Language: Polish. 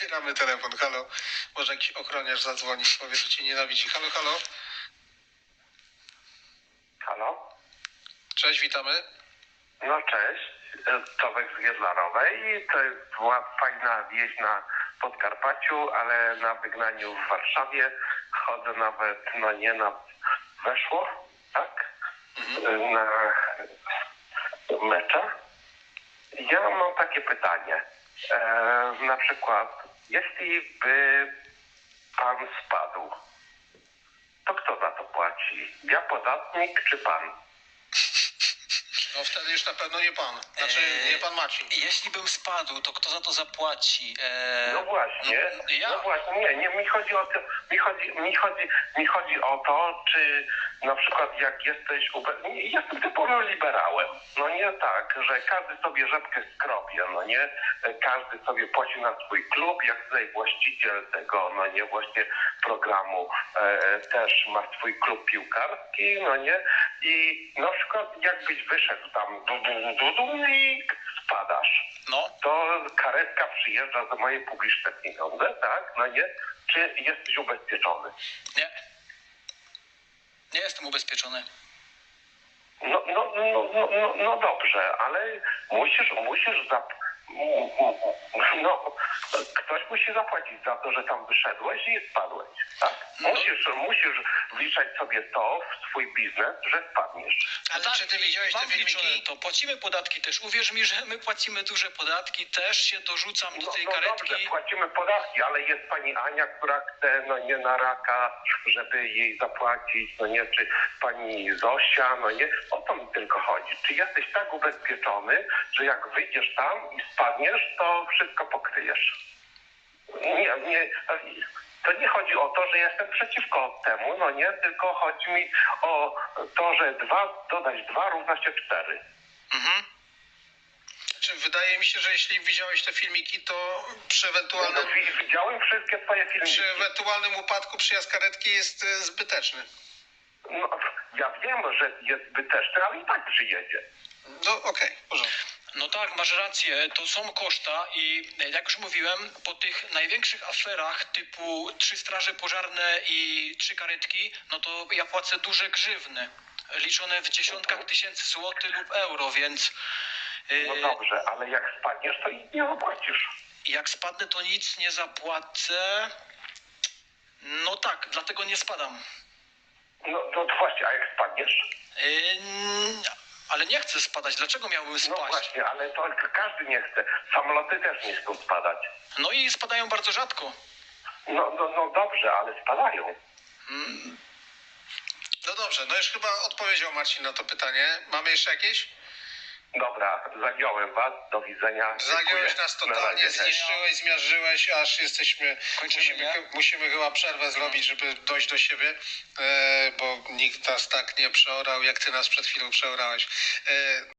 Odbieramy telefon. Halo. Może jakiś ochroniarz zadzwoni, powie, że cię nienawidzi. Halo, halo. Halo? Cześć, witamy. No cześć, Tomek z Giedlarowej. To była fajna wieś na Podkarpaciu, ale na wygnaniu w Warszawie chodzę nawet, no nie na weszło, tak? Na mecze. Ja mam takie pytanie. Na przykład, jeśli by pan spadł, to kto za to płaci? Ja podatnik czy pan? No wtedy już na pewno nie pan. Znaczy nie pan Maciej. Jeśli bym spadł, to kto za to zapłaci? No właśnie, ja. no właśnie, nie, mi chodzi o to, mi chodzi o to, czy na przykład jak jesteś, jestem typowym liberałem, no nie tak, że każdy sobie rzepkę skrobie, no nie, każdy sobie płaci na swój klub, jak tutaj właściciel tego, no nie, właśnie programu też ma swój klub piłkarski, no nie, i na przykład jakbyś wyszedł tam i spadasz. No, To karetka przyjeżdża za moje publiczne pieniądze, tak? No nie? Czy jesteś ubezpieczony? nie. Nie jestem ubezpieczony. No dobrze, ale musisz no, ktoś musi zapłacić za to, że tam wyszedłeś i spadłeś, tak? Musisz wliczać sobie to w swój biznes, że spadniesz. Ale czy ty widziałeś te mam wliczone filmiki? to. Płacimy podatki też. Uwierz mi, że my płacimy duże podatki. Też się dorzucam do tej karetki. Dobrze, płacimy podatki, ale jest pani Ania, która chce, no nie na raka, żeby jej zapłacić, no nie, czy pani Zosia, no nie, o to mi tylko chodzi. Czy jesteś tak ubezpieczony, że jak wyjdziesz tam i spadniesz, to wszystko pokryjesz? To nie chodzi o to, że jestem przeciwko temu, no nie, tylko chodzi mi o to, że 2 dodać 2 równa się 4. Mhm. Czy wydaje mi się, że jeśli widziałeś te filmiki, to przy ewentualnym, Widziałem wszystkie twoje filmiki. przy ewentualnym upadku przyjazd karetki jest zbyteczny. No, ja wiem, że jest zbyteczny, ale i tak przyjedzie. No okej, w porządku. No tak, masz rację, to są koszta i jak już mówiłem, po tych największych aferach typu 3 straże pożarne i 3 karetki, no to ja płacę duże grzywny, liczone w dziesiątkach tysięcy złotych lub euro, więc No dobrze, ale jak spadniesz, to nic nie zapłacisz. jak spadnę, to nic nie zapłacę. No tak, dlatego nie spadam. No to właśnie, a jak spadniesz? Ale nie chcę spadać, dlaczego miałbym No spaść? właśnie, ale to każdy nie chce. Samoloty też nie chcą spadać. No i spadają bardzo rzadko. No dobrze, ale spadają. No dobrze, no już chyba odpowiedział Marcin na to pytanie. Mamy jeszcze jakieś? Dobra, zagiąłem was. Do widzenia. Zagiąłeś Dziękuję. nas Na totalnie, razie, cześć. zniszczyłeś, zmiażdżyłeś, aż jesteśmy, Kończymy, nie? musimy chyba przerwę zrobić, żeby dojść do siebie, bo nikt nas tak nie przeorał, jak ty nas przed chwilą przeorałeś.